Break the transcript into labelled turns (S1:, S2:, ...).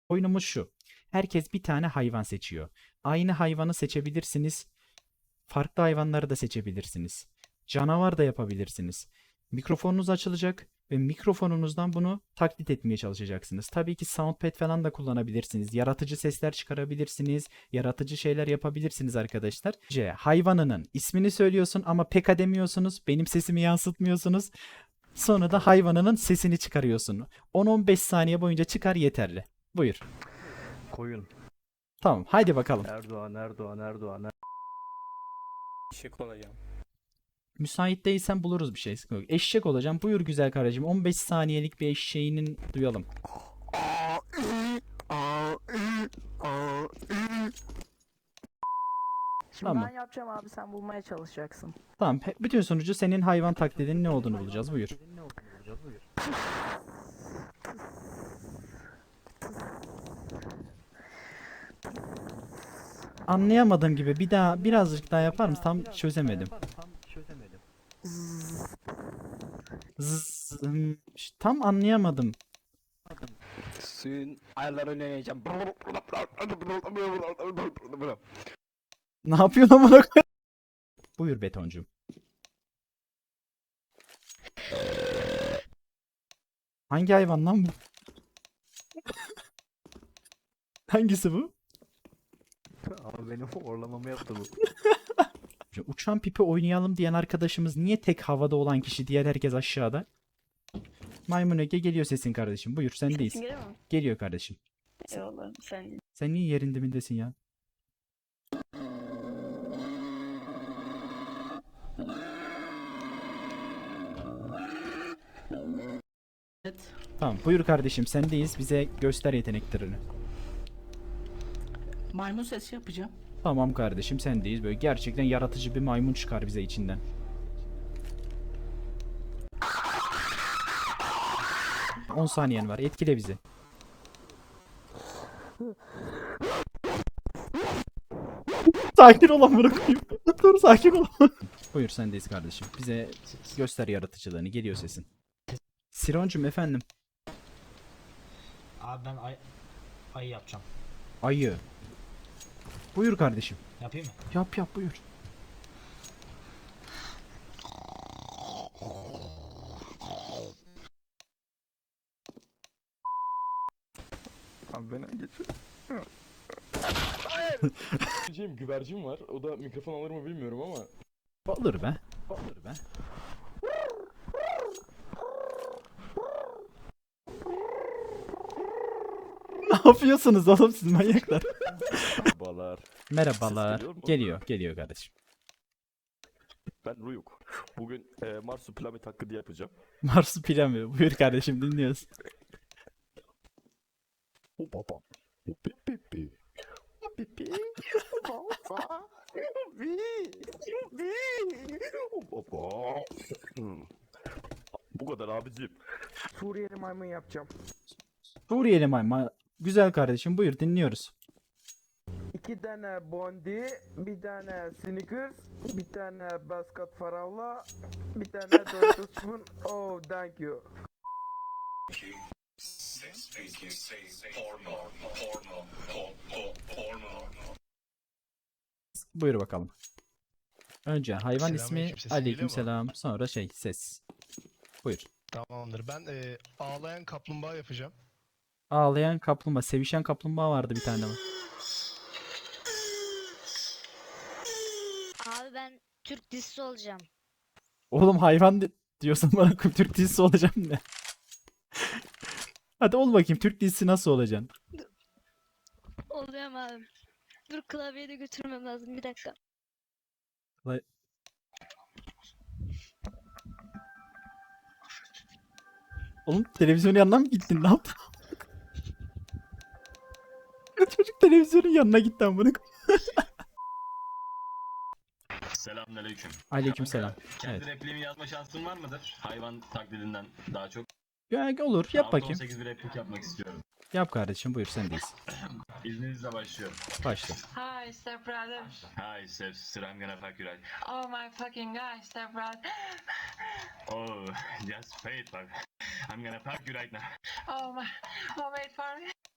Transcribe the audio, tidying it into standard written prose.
S1: Oyunumuz şu. Herkes bir tane hayvan seçiyor. Aynı hayvanı seçebilirsiniz. Farklı hayvanları da seçebilirsiniz. Canavar da yapabilirsiniz. Mikrofonunuz açılacak ve mikrofonunuzdan bunu taklit etmeye çalışacaksınız. Tabii ki soundpad falan da kullanabilirsiniz. Yaratıcı sesler çıkarabilirsiniz. Yaratıcı şeyler yapabilirsiniz arkadaşlar. Hayvanının ismini söylüyorsun ama pek demiyorsunuz. Benim sesimi yansıtmıyorsunuz. Sonra da hayvanının sesini çıkarıyorsun. 10-15 saniye boyunca çıkar yeterli. Buyur.
S2: Koyun.
S1: Tamam, haydi bakalım.
S2: Erdoğan.
S3: Eşek olacağım.
S1: Müsait değilsen buluruz bir şey. Sıkıntı yok. Eşek olacağım. Buyur güzel kardeşim. 15 saniyelik bir eşeğinin duyalım.
S4: Şimdi
S1: Tamam.
S4: ben yapacağım abi, sen bulmaya çalışacaksın.
S1: Tamam. Bütün sonucu senin hayvan taklidinin ne olduğunu bulacağız. Buyur. Anlayamadığım gibi bir daha birazcık daha yapar mısın? Tam çözemedim. Tam anlayamadım.
S3: Suyun ayarlarını oynayacağım.
S1: Ne yapıyorsun amına koyayım? Buyur betoncum. Hangi hayvan lan bu? Hangisi bu?
S2: Ama benim orlamamı yaptı bu.
S1: Uçan pipi oynayalım diyen arkadaşımız niye tek havada olan kişi, diğer herkes aşağıda? Maymun Ege geliyor sesin kardeşim. Buyur sendeyiz.
S5: Geliyor mu?
S1: Geliyor kardeşim.
S5: Eyvallah sen.
S1: Sen niye yerin dibindesin ya?
S5: Evet.
S1: Tamam buyur kardeşim sendeyiz. Bize göster yeteneklerini.
S5: Maymun sesi yapacağım.
S1: Tamam kardeşim sendeyiz. Böyle gerçekten yaratıcı bir maymun çıkar bize içinden. ...10 saniyen var. Etkile bizi. Sakin ol amına koyayım. Dur sakin ol. Buyur sendeyiz kardeşim. Bize göster yaratıcılığını. Geliyor sesin. Sironcum efendim.
S6: Abi ben ayı yapacağım.
S1: Ayı. Buyur kardeşim.
S6: Yapayım mı?
S1: Yap buyur.
S2: Abi beni getir.
S3: Güvercin var. O da mikrofon alır mı bilmiyorum ama.
S1: Olur be. Olur be. Ne yapıyorsunuz oğlum siz manyaklar?
S3: Balar.
S1: Merhabalar.
S3: Ses geliyor mu?
S1: Geliyor kardeşim.
S3: Ben Ruyuk. Bugün Marsupilami taklidi yapacağım.
S1: Marsupilami. Buyur kardeşim dinliyoruz.
S3: Baba. Pipi. Pipi. Baba. Baba. Bu kadar abicim.
S2: Suriyeli maymun yapacağım.
S1: Suriyeli mayma. Güzel kardeşim buyur dinliyoruz.
S2: 2 tane Bondi, bir tane Snickers, bir tane Basket Farawla, bir tane Doritos Spoon. Oh, thank you.
S1: Buyur bakalım. Önce hayvan ismi
S7: Selamünaleyküm, sesim
S1: aleykümselam sonra ses. Buyur.
S7: Tamamdır. Ben ağlayan kaplumbağa yapacağım.
S1: Ağlayan kaplumbağa, sevişen kaplumbağa vardı bir tane ama.
S8: Abi ben Türk dizisi olacağım.
S1: Oğlum hayvan diyorsan bana Türk dizisi olacağım ne? Hadi ol bakayım Türk dizisi nasıl olacaksın?
S8: Oluyorum abi. Dur klavyeyi de götürmem lazım bir dakika.
S1: Oğlum televizyonun yanına mı gittin? Ne yaptın? Çocuk televizyonun yanına gitti amına.
S9: Selamünaleyküm.
S1: Aleykümselam.
S9: Kendi
S1: Evet.
S9: repliğimi yazma şansın var mıdır? Hayvan taklidinden daha çok.
S1: Ya, olur yap bakayım.
S9: 18 bir replik yapmak istiyorum.
S1: Yap kardeşim buyur sendeyiz.
S9: İzninizle başlıyorum.
S1: Başla.
S10: Hi, step brother.
S9: Hi Steps, I'm gonna fuck you right.
S10: Oh my fucking god, step brother.
S9: Oh, just wait, fuck. I'm gonna fuck you right now.
S10: Oh my, oh wait for me.